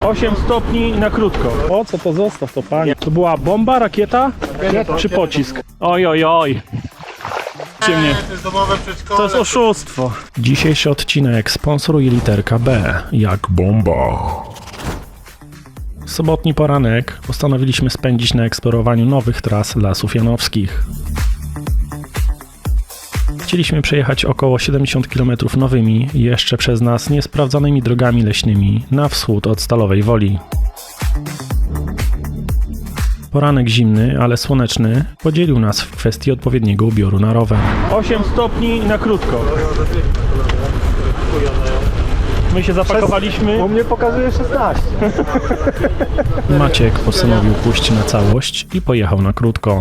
8 stopni na krótko. O, co to zostaw to, panie? To była bomba, rakieta czy pocisk? Oj, oj, oj. Ciemnie. To jest oszustwo. Dzisiejszy odcinek sponsoruje literka B, jak bomba. Sobotni poranek postanowiliśmy spędzić na eksplorowaniu nowych tras Lasów Janowskich. Chcieliśmy przejechać około 70 km nowymi, jeszcze przez nas niesprawdzonymi drogami leśnymi na wschód od Stalowej Woli. Poranek zimny, ale słoneczny podzielił nas w kwestii odpowiedniego ubioru na rower. 8 stopni na krótko. My się zapakowaliśmy. U mnie pokazuje 16. Maciek postanowił pójść na całość i pojechał na krótko.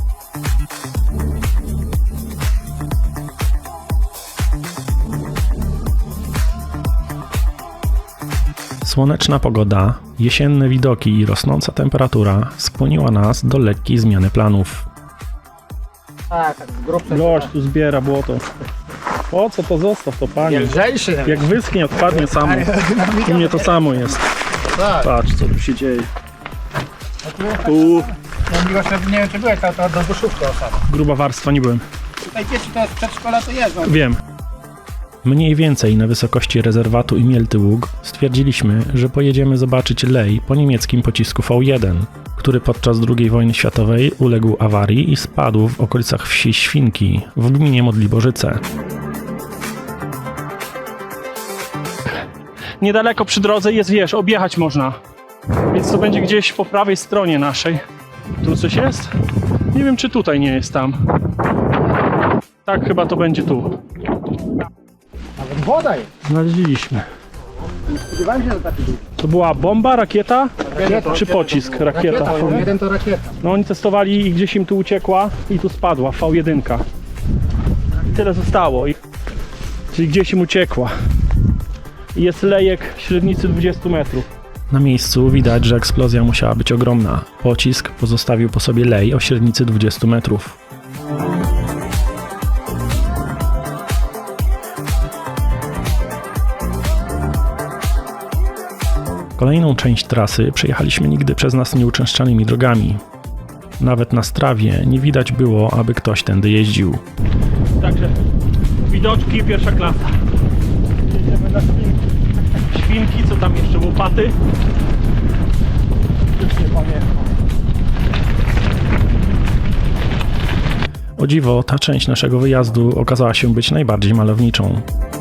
Słoneczna pogoda, jesienne widoki i rosnąca temperatura skłoniła nas do lekkiej zmiany planów. Tak, grubsze. Gość tu zbiera błoto. O, co to zostaw to, panie? Lżejszy. Jak wyschnie, odpadnie samo. U mnie to samo jest. Tak. Patrz, co tu się dzieje. Ja miłość, nie wiem, czy byłeś, ale to do duszówki osoba. Gruba warstwa, nie byłem. Tutaj dzieci to jest przedszkola, to jest. Wiem. Mniej więcej na wysokości rezerwatu Imielty Ług stwierdziliśmy, że pojedziemy zobaczyć lej po niemieckim pocisku V1, który podczas II wojny światowej uległ awarii i spadł w okolicach wsi Świnki w gminie Modliborzyce. Niedaleko przy drodze jest, wiesz, objechać można. Więc to będzie gdzieś po prawej stronie naszej. Tu coś jest? Nie wiem, czy tutaj nie jest tam. Tak, chyba to będzie tu. Nawet woda jest. Znaleźliśmy. Spodziewałem się, że taki był. To była bomba, rakieta czy pocisk? Rakieta. Jeden to rakieta. No oni testowali i gdzieś im tu uciekła i tu spadła V1. I tyle zostało. Czyli gdzieś im uciekła. I jest lejek średnicy 20 metrów. Na miejscu widać, że eksplozja musiała być ogromna. Pocisk pozostawił po sobie lej o średnicy 20 metrów. Kolejną część trasy przejechaliśmy nigdy przez nas nieuczęszczanymi drogami. Nawet na strawie nie widać było, aby ktoś tędy jeździł. Także widoczki pierwsza klasa. Jedziemy na świnki. Świnki, co tam jeszcze? Łopaty? Już nie pamiętam. O dziwo, ta część naszego wyjazdu okazała się być najbardziej malowniczą.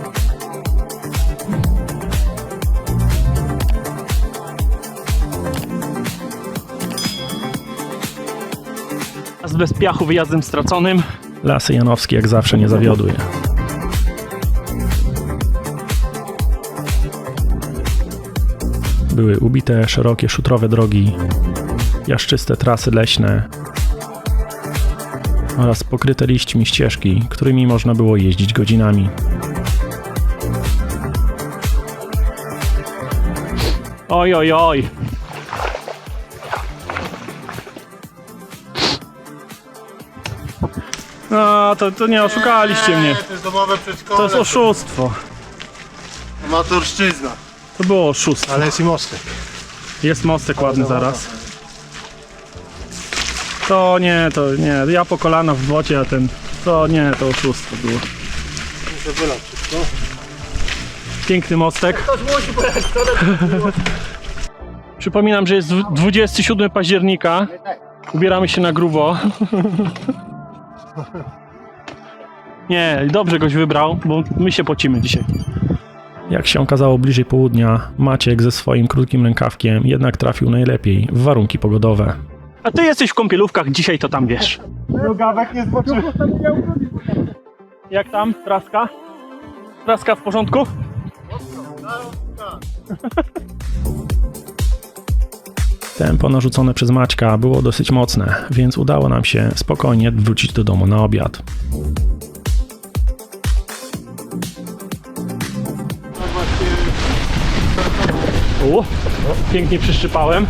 Bez piachu, wyjazdem straconym. Lasy Janowskie jak zawsze nie zawiodły. Były ubite, szerokie, szutrowe drogi, jaszczyste trasy leśne oraz pokryte liśćmi ścieżki, którymi można było jeździć godzinami. Oj, oj, oj. No, to nie oszukaliście mnie. To jest domowe przedszkole. To jest oszustwo. Amatorszczyzna. To było oszustwo. Ale jest i mostek. Jest mostek ładny zaraz. To nie. Ja po kolana w błocie, a ten... To nie, to oszustwo było. Muszę wylać wszystko. Piękny mostek. Ktoś musi pojechać, Przypominam, że jest 27 października. Ubieramy się na grubo. Nie, dobrze goś wybrał, bo my się pocimy dzisiaj. Jak się okazało bliżej południa, Maciek ze swoim krótkim rękawkiem jednak trafił najlepiej w warunki pogodowe. A ty jesteś w kąpielówkach, dzisiaj to tam wiesz. Rogawek nie zboczył. Jak tam? Traska? Traska w porządku? Tempo narzucone przez Maćka było dosyć mocne, więc udało nam się spokojnie wrócić do domu na obiad. Pięknie przyszczypałem.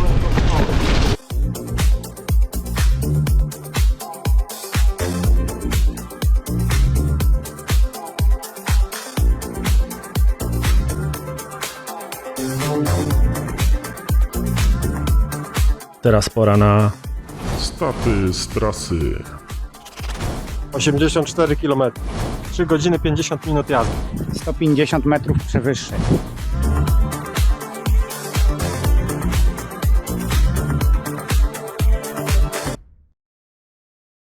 Teraz pora na Staty z trasy. 84 km. 3 godziny 50 minut jazdy. 150 metrów przewyższeń.